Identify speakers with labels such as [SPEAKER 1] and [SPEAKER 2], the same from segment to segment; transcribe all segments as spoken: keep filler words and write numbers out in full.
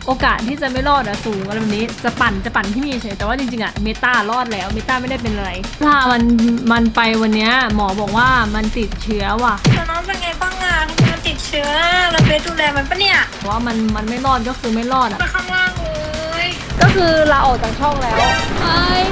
[SPEAKER 1] โอกาสที่จะไม่รอดอะสูงอะไรแบบนี้จะปั่นจะปั่นที่มีเฉยแต่ว่าจริงๆอะเมตารอดแล้วเมตาไม่ได้เป็นอะไรพามันมันไปวันนี้หมอบอกว่ามันติดเชื้อว่ะ
[SPEAKER 2] แล้วน้องเป็นไงบ้างอ่ะทำไมมันติดเชื้อแล้วเบสดูแลมันปะเนี่ย
[SPEAKER 1] ว่ามันมันไม่รอดก็คือไม่รอดอะ
[SPEAKER 2] ไปข้างล่างเลย
[SPEAKER 1] ก็คือลาออกจากช่องแล้วไอ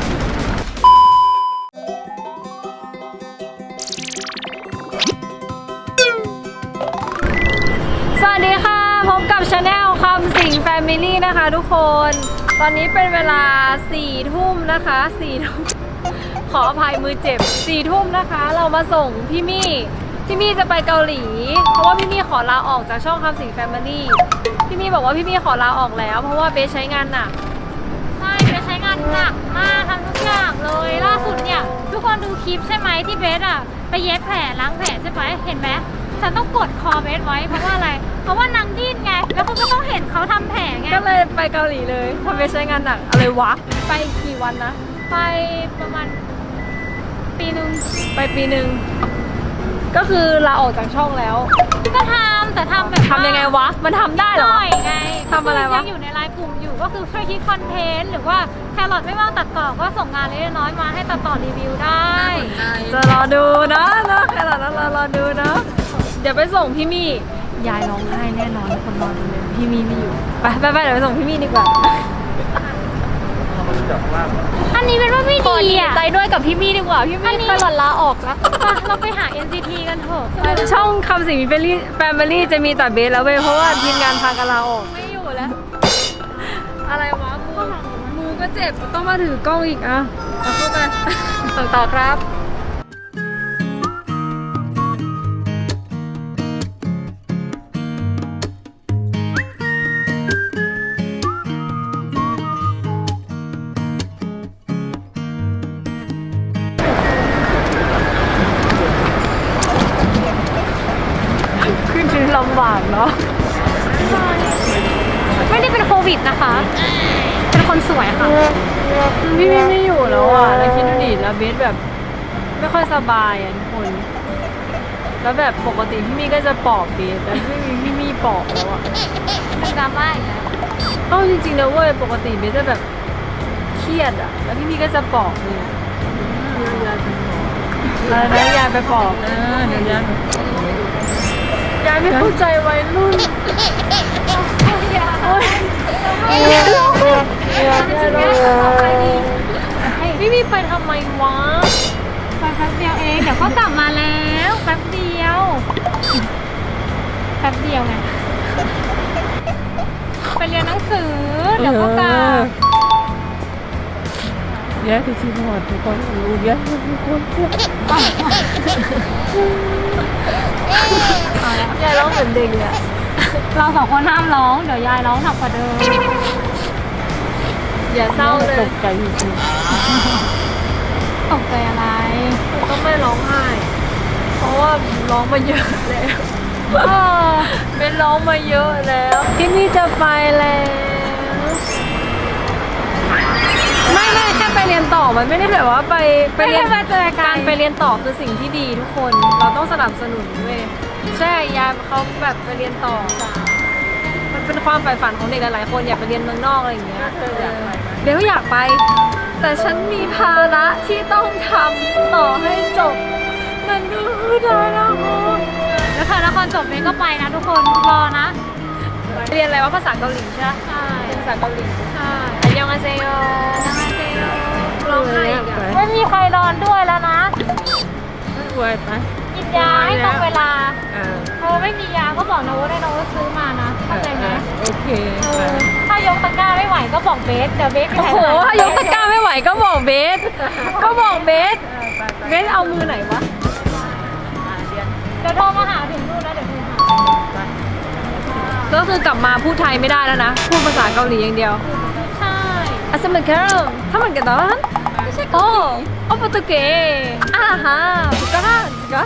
[SPEAKER 1] สวัสดีค่ะพบกับชาแนลคำสิงแฟมิลี่นะคะทุกคนตอนนี้เป็นเวลาสี่ทุ่มนะคะสี่ทุ่มขออภัยมือเจ็บสี่ทุ่มนะคะเรามาส่งพี่มี่พี่มี่จะไปเกาหลีเพราะว่าพี่มี่ขอลาออกจากช่องคำสิงแฟมิลี่พี่มี่บอกว่าพี่มี่ขอลาออกแล้วเพราะว่าเบสใช้งานหนักใช่เบสใช้งานหนักมากทำทุกอย่างเลยล่าสุดเนี่ยทุกคนดูคลิปใช่ไหมที่เบสอะไปเย็บแผลล้างแผลใช่ไหมเห็นไหมฉันต้องกดคอเบสไว้เพราะว่าอะไรเพราะว่านางดิ้นไงแล้วคุณก็ต้องเห็นเขาทำแผลไงก็เลยไปเกาหลีเลยทำเบสใช้งานหนักอะไรวะไปกี่วันนะไปประมาณปีหนึ่งไปปีหนึ่งก็คือลาออกจากช่องแล้วก็ทำแต่ทำแบบทำยังไงวะมันทำได้เหรอไงทำอะไรวะยังอยู่ในไลน์กลุ่มอยู่ก็คือช่วยคิดคอนเทนต์หรือว่าแครอทไม่ว่างตัดต่อก็ส่งงานเล็กน้อยมาให้ตัดต่อรีวิวได้จะรอดูนะนะแครอทนะรอรอดูนะเดี๋ยวไปส่งพี่มี่ยายร้องไห้แน่นอนคนรอดูเลยพี่มี่ไม่อยู่ไปไปไปเดี๋ยวไปส่งพี่มี่ดีกว่าอันนี้เป็นว่าไม่ดีอ่ะใจด้วยกับพี่มี่ดีกว่าพี่มี่เคยหล่นลาออกแล้วเราไปหา เอ็น ซี ที กันเถอะช่องคำสิงแฟมิลี่แฟมิลี่จะมีแต่เบสแล้วเว้ยเพราะว่าทีมงานพากันลาออกไม่อยู่แล้วอะไรวะมือมือก็เจ็บต้องมาถือกล้องอีกอ่ะเอาเข้าไปส่งต่อครับขึ้นชื่อลำบากเนาะไม่ได้เป็นโควิดนะคะเป็นคนสวยค่ะพี่มี่ไม่อยู่แล้วอ่ะแล้วคิดดูดิแล้วเบสแบบไม่ค่อยสบายอ่ะทุกคนแล้วแบบปกติพี่มี่ก็จะปลอบเบสแต่ไม่มีพี่มี่ปลอบแล้วอ่ะเป็นดราม่าอีกแล้วเอ้าจริงๆนะเว้ยปกติเบสจะแบบเครียดอ่ะแล้วพี่มี่ก็จะปลอบเนี่ยอะไรนะยายไปปลอบนะเดี๋ยวยายยายไม่เข้าใจวัยรุ่นโอ๊ยยายร้องยายร้องพี่มีไปทำไมวะไปแป๊บเดียวเองเดี๋ยวก็กลับมาแล้วแป๊บเดียวแป๊บเดียวไงไปเรียนหนังสือเดี๋ยวก็กลับแย่ที่ชิมหอดทุกคนรู้แย่ทุกคนยายร้องเหมือนเด็กเลยอะเราสองคนห้ามร้องเดี๋ยวยายร้องหนักกว่าเดิมอย่าเศร้าเลยตกใจจริงตกใจอะไรก็ไม่ร้องไห้เพราะว่าร้องมาเยอะแล้วเป็นร้องมาเยอะแล้วที่นี่จะไปแล้วไม่ไม่แค่ไปเรียนต่อมันไม่ได้แบบว่าไปไปเรียนการไปเรียนต่อคือสิ่งที่ดีทุกคนเราต้องสนับสนุนเว้ยใช่ยายเขาแบบไปเรียนต่อมันเป็นความใฝ่ฝันของเด็กหลายๆคนอยากไปเรียนเมืองนอกอะไรอย่างเงี้ยเดี๋ยวก็อยากไปแต่ฉันมีภาระที่ต้องทำต่อให้จบนั่นก็คือไทยนครแล้วไทยนครจบเองก็ไปนะทุกคนรอนะเรียนอะไรว่าภาษาเกาหลีใช่ไหมใช่ภาษาเกาหลีใช่อันยองอาเซโยอันยองอาเซโยร้องไห้อีกไม่มีใครนอนด้วยแล้วนะไม่ไหวไปกินยาให้ตรงเวลาเออไม่มียาก็บอกนะว่าได้นะว่าซื้อมานะเข้าใจไหมโอเคถ้ายกตะกร้าไม่ไหวก็บอกเบสเดี๋ยวเบสโอ้โหถ้ายกตะกร้าไม่ไหวก็บอกเบสก็บอกเบสเบสเอามือไหนวะเดี๋ยวโทรมาหาถึงนู่นนะเดี๋ยวโทรหาก็คือกลับมาพูดไทยไม่ได้แล้วนะพูดภาษาเกาหลีอย่างเดียวใช่อาสมันแคร์ถ้ามันกันตอนไม่ใช่โอ้โอ้โปรตุเกสอ่าฮะถูกต้องจ้ะ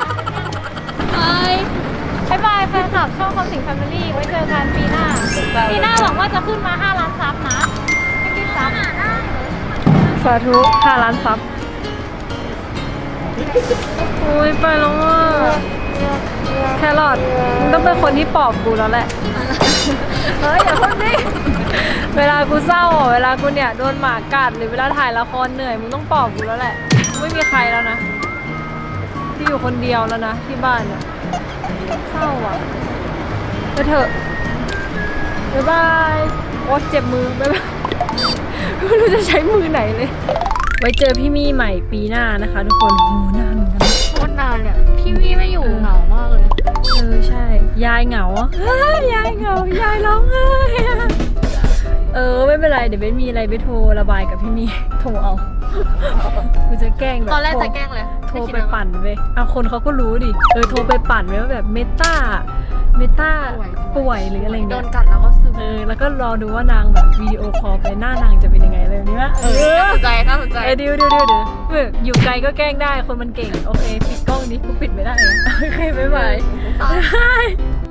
[SPEAKER 1] บายบายแฟนคลับช่องคำสิงแฟมิลี่ไว้เจอกันปีหน้าปีหน้าหวังว่าจะขึ้นมาห้าล้านซับนะไม่กี่ซับสาธุห้าล้านซับโอ้ยไปแล้วอ่ะแครอทมึงต้องเป็นคนที่ปลอบกูแล้วแหละเฮ้ยอย่าพูดดิเวลากูเศร้าอ่ะเวลากูเนี่ยโดนหมากัดหรือเวลาถ่ายละครเหนื่อยมึงต้องปลอบกูแล้วแหละไม่มีใครแล้วนะที่อยู่คนเดียวแล้วนะที่บ้านเนี่ยเศร้าอ่ะไปเถอะบ๊ายบายโอ๊ยเจ็บมือบ๊ายบายไม่รู้จะใช้มือไหนเลยไว้เจอพี่มี่ใหม่ปีหน้านะคะทุกคนโหนานเหมือนกันนะ
[SPEAKER 3] โคตรนานเนี่ยพี่วี่ไม่อยู่เหงามากเลย
[SPEAKER 1] เออใช่ยายเหงาอ่ะเฮ้ยยายเหงายายร้องไห้อะเออไม่เป็นไรเดี๋ยวเบนมีอะไรไปโทรระบายกับพี่มี่โทรเอากูจะแกล้งแบบ
[SPEAKER 3] ตอนแรก
[SPEAKER 1] โท
[SPEAKER 3] จะแกล้งเลย
[SPEAKER 1] โทรไปปั่นเว้ยเอาคนเขาก็รู้ดิเออโทรไปปั่นไว้ว่าแบบเมตาเมตาป่วยหรืออะไร
[SPEAKER 3] โด
[SPEAKER 1] เงี้
[SPEAKER 3] น
[SPEAKER 1] ย
[SPEAKER 3] กัดแล้วก็ซึม
[SPEAKER 1] เออแล้วก็รอดูว่านางแบบวิดีโอคอลไปหน้านางจะเป็นยังไงเลยนี่วะเออ
[SPEAKER 3] น่าสนใจน่าสนใจ
[SPEAKER 1] เออเดี๋ยวเดี๋ยวเดี๋ยวเดี๋ยวเอออยู่ไกลก็แกล้งได้คนมันเก่งโอเคปิดกล้องนี้กูปิดไม่ได้อะโอเคบ๊ายบายบ๊ายบาย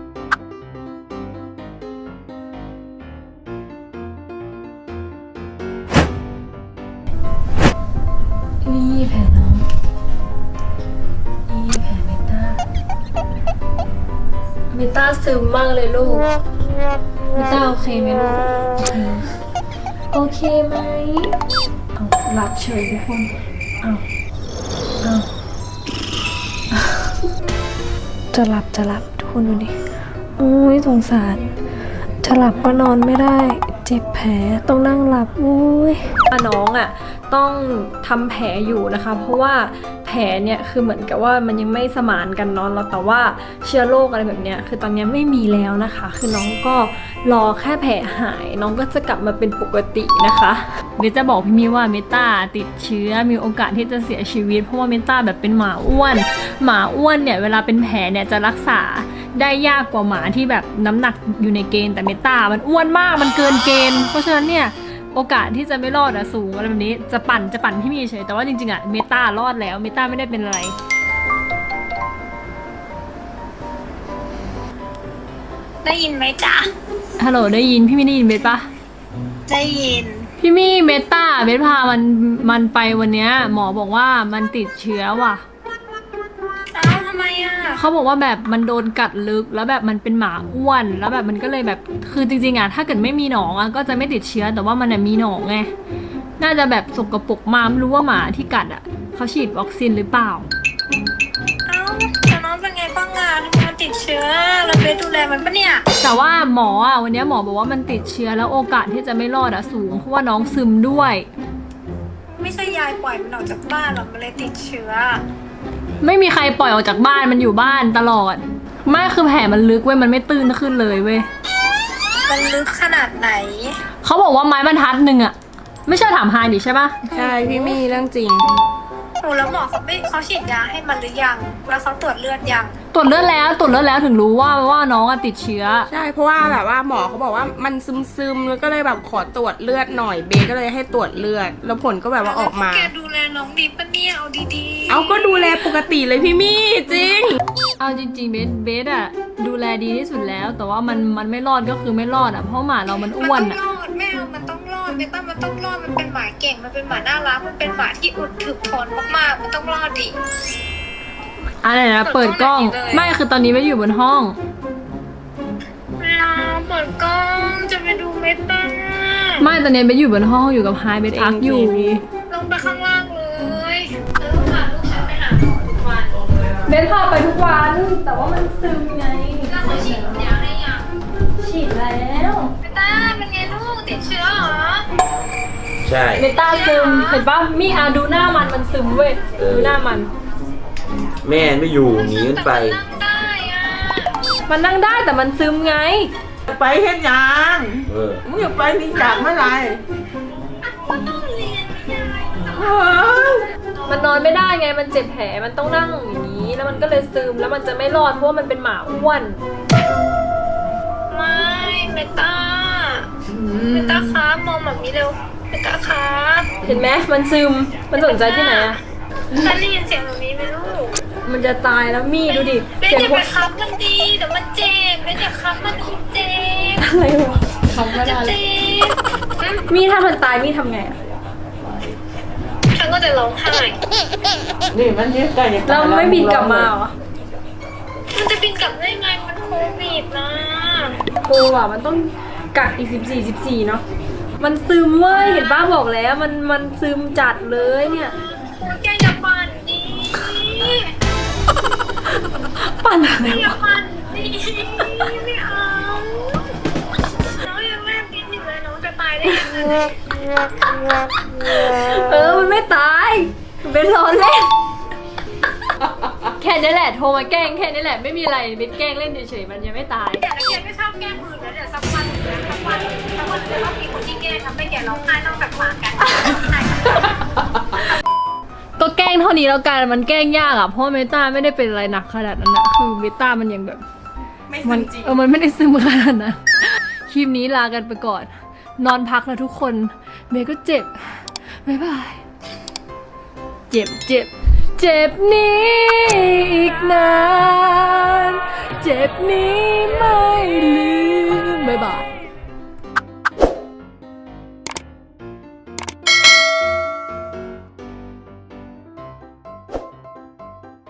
[SPEAKER 1] นี่แผลน้องนี่แผลเมตาเมตาซึมมากเลยลูกเมตาโอเคไหมลูกโอเคไหมเอาหลับเฉยทุกคนเอาเอาจะหลับจะหลับทุกคนดูดิโอ้ยสงสารจะหลับก็นอนไม่ได้เจ็บแผลต้องนั่งหลับอุ้ยน้องอ่ะต้องทำแผลอยู่นะคะเพราะว่าแผลเนี่ยคือเหมือนกับว่ามันยังไม่สมานกันเนอนแล้วแต่ว่าเชื้อโรคอะไรแบบเนี้ยคือตอนนี้ไม่มีแล้วนะคะคือน้องก็รอแค่แผลหายน้องก็จะกลับมาเป็นปกตินะคะเบสจะบอกพี่มีว่าเมตาติดเชื้อมีโอกาสที่จะเสียชีวิตเพราะว่าเมตาแบบเป็นหมาอ้วนหมาอ้วนเนี่ยเวลาเป็นแผลเนี่ยจะรักษาได้ยากกว่าหมาที่แบบน้ำหนักอยู่ในเกณฑ์แต่เมตามันอ้วนมากมันเกินเกณฑ์เพราะฉะนั้นเนี่ยโอกาสที่จะไม่รอดอะสูงอะไรแบบนี้จะปั่นจะปั่นที่มีเฉยแต่ว่าจริงๆอะเมตารอดแล้วเมตาไม่ได้เป็นอะไร
[SPEAKER 2] ได้ยินไหมจ๊ะ
[SPEAKER 1] ฮัลโหลได้ยินพี่มี่ได้ยินเบสปะ
[SPEAKER 2] ได้ยิน
[SPEAKER 1] พี่มี่เมตาเบสพามันมันไปวันเนี้ยหมอบอกว่ามันติดเชื้อว่ะ
[SPEAKER 2] เอ้าทำไมอ่ะ
[SPEAKER 1] เขาบอกว่าแบบมันโดนกัดลึกแล้วแบบมันเป็นหมาอ้วนแล้วแบบมันก็เลยแบบคือจริงๆอะถ้าเกิดไม่มีหนองอะก็จะไม่ติดเชื้อแต่ว่ามันมีหนองไงน่าจะแบบสกปรกมาไม่รู้ว่าหมาที่กัดอะเขาฉีดวัคซีนหรือเปล่า
[SPEAKER 2] เอ้าแต่น้องเป็นไงบ้างอ่ะทำไมมันติดเชื้อเราไปดูแลมันปะเนี่ย
[SPEAKER 1] แต่ว่าหมออะวันนี้หมอบอกว่ามันติดเชื้อแล้วโอกาสที่จะไม่รอดอะสูงเพราะว่าน้องซึมด้วย
[SPEAKER 2] ไม่ใช่ยายปล่อยมันออกจากบ้านหรอกมันเลยติดเชื้อ
[SPEAKER 1] ไม่มีใครปล่อยออกจากบ้านมันอยู่บ้านตลอดไม่คือแผลมันลึกเว้ยมันไม่ตื้นขึ้นเลยเว้ย
[SPEAKER 2] มันลึกขนาดไหน
[SPEAKER 1] เขาบอกว่าไม้บรรทัดหนึ่งอะไม่ใช่ถามไฮดิใช่ปะ
[SPEAKER 3] ใช่พี่มี่เรื่องจริง
[SPEAKER 2] โอ้แล้วหมอเขาไม่เขาฉีดยาให้มันหรือยัง แล้วเขาตรวจเลือดยัง
[SPEAKER 1] ตรวจเลือดแล้วตรวจเลือดแล้วถึงรู้ว่าว่าน้องอะติดเชื้อ
[SPEAKER 4] ใช่เพราะว่าแบบว่าหมอเขาบอกว่ามันซึมซึมๆแล้วก็เลยแบบขอตรวจเลือดหน่อยเบก็เลยให้ตรวจเลือด แล้วผลก็แบบว่าออกมา
[SPEAKER 2] แกดูแลน้องดีปะเนี่ยเอาดีๆ
[SPEAKER 4] เอาก็ดูแลปกติเลยพี่มี่จริง
[SPEAKER 1] เอาจริงๆเบสเบสอะดูแลดีที่สุดแล้ว แต่ว่ามันมันไม่รอดก็คือไม่รอดอะเพราะหมาเรามัน
[SPEAKER 2] มัน
[SPEAKER 1] อ้วน
[SPEAKER 2] ต้อ
[SPEAKER 1] อะ
[SPEAKER 2] งรอดแม่เอามันต้องรอดเบต้ามันต้องรอดมันเป็นหมาเก่งมันเป็นหมาน่ารักมันเป็นหมาที่อดถึกทนมากๆมันต้องรอดดิ
[SPEAKER 1] อะไรนะเปิดกล้อง
[SPEAKER 2] เปิดกล้องไหนเลย
[SPEAKER 1] ไม่คือตอนนี้ไม่อยู่บนห้อง
[SPEAKER 2] เราเปิดกล้องจะไปดูเมตา
[SPEAKER 1] ไม่ตอนนี้เบสอยู่บนห้องอยู่กับไฮเบสพักอยู่
[SPEAKER 2] ลงไปข้างล่างเลยเออพาลูกฉันไปหาหมอทุกวัน
[SPEAKER 1] เบสพาไปทุกวัน แต่ว่ามันซึมไง
[SPEAKER 2] แล้วเขาฉีดยาให้ยัง
[SPEAKER 1] ฉีดแล้ว
[SPEAKER 2] เมตาเป็นไงลูกติดเชื้อเหรอ
[SPEAKER 5] ใช่
[SPEAKER 1] เบต้าซึมเห็นปะมีอาดูหน้ามันมันซึมเว้ย
[SPEAKER 5] เออ
[SPEAKER 1] ดูหน้ามัน
[SPEAKER 5] แม่ไม่อยู่หนีมันไป
[SPEAKER 2] นั่งได้อ่ะ
[SPEAKER 1] มันนั่งได้แต่มันซึมไง
[SPEAKER 6] ไปเฮ็ดหยัง
[SPEAKER 5] เออ
[SPEAKER 6] มึงอยากไปนี่จากเมื่อไหร่
[SPEAKER 2] ก็ต้องเรียนไม่ได้
[SPEAKER 6] เฮ้ย
[SPEAKER 1] มันนอนไม่ได้ไงมันเจ็บแผลมันต้องนั่งอย่างนี้แล้วมันก็เลยซึมแล้วมันจะไม่รอดเพราะว่ามันเป็นหมาอ้วน
[SPEAKER 2] ไม่เมตาเมตาครับมองแบบนี้เร็วเมตาครับ
[SPEAKER 1] เห็นไหมมันซึมมันสนใจที่ไหนอะ
[SPEAKER 2] ฉันได้ยินเสียงแบบนี้ไหมลูก
[SPEAKER 1] มันจะตายแล้วมี่ดูดิ
[SPEAKER 2] เบน
[SPEAKER 1] เสียง
[SPEAKER 2] อย่า
[SPEAKER 1] หั
[SPEAKER 2] ไป
[SPEAKER 1] ว
[SPEAKER 2] คับมันดีเดี๋ยวมันเจ็บเบนอย่าคับมันอีกเจ็บ
[SPEAKER 1] อะไรวะ
[SPEAKER 2] มันจะเจ็บอืม
[SPEAKER 1] มี่ถ้ามันตายมี่ทำไงอะ
[SPEAKER 2] ฉันก็จะร้องไห้
[SPEAKER 6] นี่มันเฮ็ดได้ยังไง
[SPEAKER 1] เราไม่บินกลับมาเหรอ
[SPEAKER 2] มันจะบินกลับได้ไงมันโควิดนะ
[SPEAKER 1] โกอ่ะมันต้องกักอีกสิบสี่สิบสี่เนาะมันซึมเว้ยเห็นป้าบอกแล้วมันมันซึมจัดเลยเนี่ย
[SPEAKER 2] แกอย่าปั่นดิ
[SPEAKER 1] ปั่นอะไร
[SPEAKER 2] อย่าว ะปั่นดิไม่เอาน้องยังแม่บินอยู่เลยน้องจะตายได้ยังไง
[SPEAKER 1] เออมันไม่ตายมันเป็นล้อเล่นแค่นี้แหละโทรมาแกล้งแค่นี้แหละไม่มีอะไรเป็นแกล้งเล่นเฉยๆมันยังไม่ตาย
[SPEAKER 2] แต่ละแกไม่ชอบแกล้งมือนะเดี๋ยวสักวันเดี๋ยวสักวันสักวันจะต้องมีคนที่แกล้งทำให้แกร้องไห้นอกจากหมากัน
[SPEAKER 1] ก็แกล้งเท่านี้แล้วกันมันแกล้งยากอ่ะเพราะเมตาไม่ได้เป็นอะไรหนักขนาดนั้นนะคือเมตามันยังแบบ
[SPEAKER 4] ไม่ซึ
[SPEAKER 1] มัน
[SPEAKER 4] มจริง
[SPEAKER 1] เออมันไม่ได้ซึมขนาดนั้นคลิปนี้ลากันไปก่อน นอนพักแล้วทุกคนเมย์ก็เจ็บบ๊ายบายเจ็บเจ็บเจ็บนี้อีกนานเจ็บนี้ไม่ลืมบ๊ายบาย